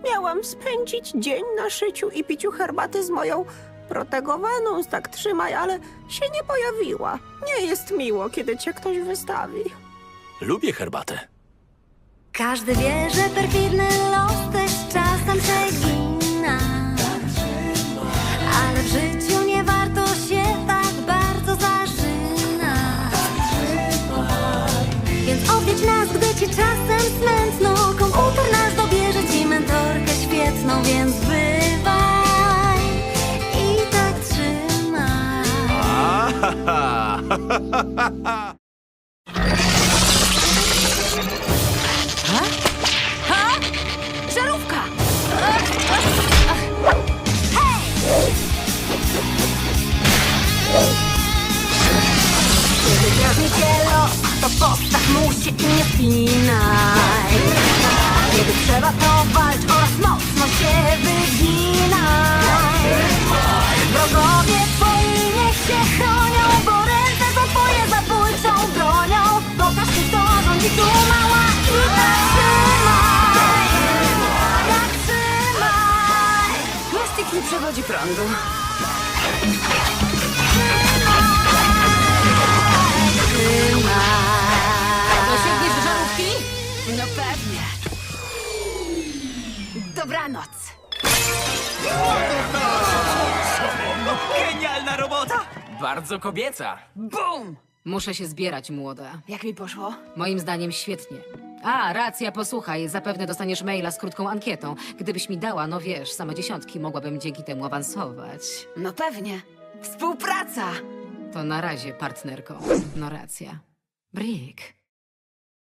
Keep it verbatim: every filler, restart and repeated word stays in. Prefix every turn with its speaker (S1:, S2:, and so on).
S1: Miałam spędzić dzień na szyciu i piciu herbaty z moją protegowaną, tak trzymaj, ale się nie pojawiła. Nie jest miło, kiedy cię ktoś wystawi.
S2: Lubię herbatę.
S3: Każdy wie, że perfidny los też czasem przegina. Ale w życiu nie warto się tak bardzo zażynać. Więc odwiedź nas, gdy ci czasem smętno. Komputer nasz dobierze ci mentorkę świetną, więc bywaj i tak trzymaj.
S4: Ha? Żarówka!
S3: Kiedy drażni cię los, to postaw mu się i nie spinaj. Kiedy trzeba, to walcz oraz mocno się wyginaj. Wrogowie twoi niech się chronią, bo ręce są twoje zabójczą bronią. Pokaż mi, kto rządzi tu, mała, i tak trzymaj. Tak trzymaj.
S4: Plastik nie przewodzi prądu. Dosięgniesz do żarówki? No pewnie. Dobranoc.
S2: Genialna robota! Bardzo kobieca.
S4: Bum!
S5: Muszę się zbierać, młoda.
S4: Jak mi poszło?
S5: Moim zdaniem świetnie. A, racja, posłuchaj, zapewne dostaniesz maila z krótką ankietą. Gdybyś mi dała, no wiesz, same dziesiątki, mogłabym dzięki temu awansować.
S4: No pewnie. Współpraca!
S5: To na razie, partnerko. No racja. Brick.